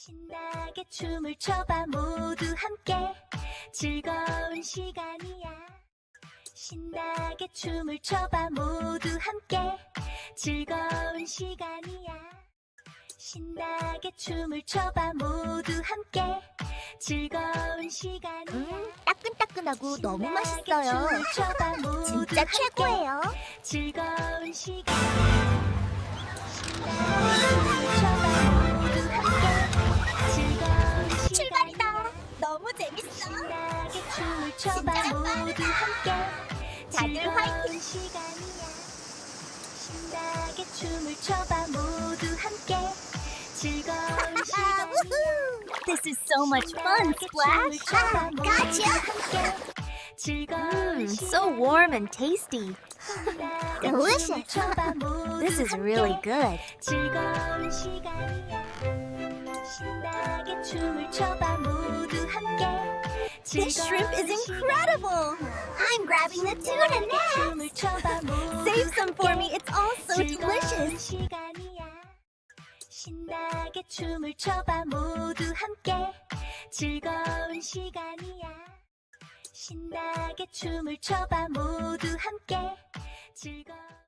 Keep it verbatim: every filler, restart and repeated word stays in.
신나게 춤을 춰봐 모두 함께 즐거운 시간이야. 신나게 춤을 춰봐 모두 함께 즐거운 시간이야. 신나게 춤을 춰봐 모두 함께 즐거운 시간이야. 음, 따끈따끈하고 너무 신나게 맛있어요. 춤을 춰봐 모두 진짜 함께 최고예요. 즐거운 시간. 신나게 춤을 춰봐 모두 함께 즐거운 시간. 출발이다. 너무 재밌어. 신나게 춤을 춰봐 진짜 모두 함께 다들 즐거운 화이팅. 시간이야. 신나게 춤을 춰봐 모두 함께 즐거운 아, 시간이야. woohoo! This is so much fun, Splash. Ah, gotcha. Mmm, So warm and tasty. Delicious. This is really good. 즐거운 시간이야. 신나게 춤을 춰봐 모두 함께. This shrimp is incredible. I'm grabbing the tuna now. 춤을 춰봐 모두 Save some for me. 함께. It's all so 즐거운 delicious. 시간이야. 신나게 춤을 춰봐 모두 함께 즐거운 시간이야. 신나게 춤을 춰봐 모두 함께 즐거운